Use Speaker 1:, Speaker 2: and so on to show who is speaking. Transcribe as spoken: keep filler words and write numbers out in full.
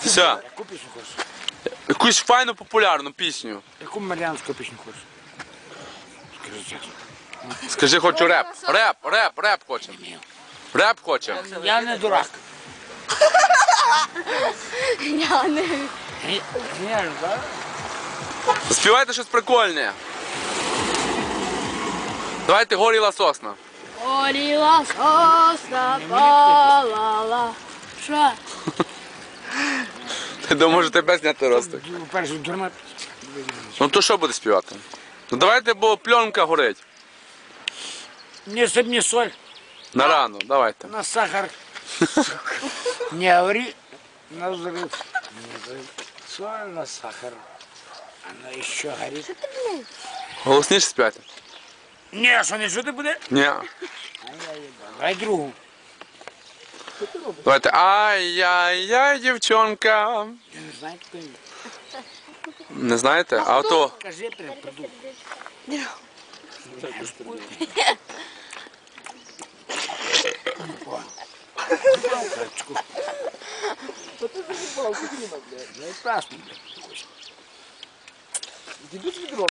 Speaker 1: Все.
Speaker 2: Яку пісню хочеш?
Speaker 1: Якусь файну популярну пісню.
Speaker 2: Яку маріанську пісню хочеш? Скажи чесно.
Speaker 1: Скажи, хочу реп. Реп, реп, реп хочемо. Реп хочемо.
Speaker 2: Я не дурак.
Speaker 3: Я не...
Speaker 2: Ні, ні, так?
Speaker 1: Співайте щось прикольне. Давайте горіла сосна.
Speaker 3: Горіла сосна, палала. Що?
Speaker 1: Ти думаєш, тебе зняти ростик?
Speaker 2: Перше, дурна.
Speaker 1: Ну то що буде співати? Ну давайте, бо пленка горить.
Speaker 2: Не сип, не соль,
Speaker 1: На рану, давайте.
Speaker 2: на сахар. Не говори на взрыв. Не взрыв. Соль на сахар. Она еще горит.
Speaker 1: Голосніше співайте?
Speaker 2: Не, що не чути буде?
Speaker 1: Ні.
Speaker 2: Давай другу.
Speaker 1: Давайте. Ай-яй-яй, дівчонка.
Speaker 2: Я не знаю, хто він.
Speaker 1: Не знаєте? А то.
Speaker 2: Кажи, прям придумай. Палочку. Ну и праздник, блядь.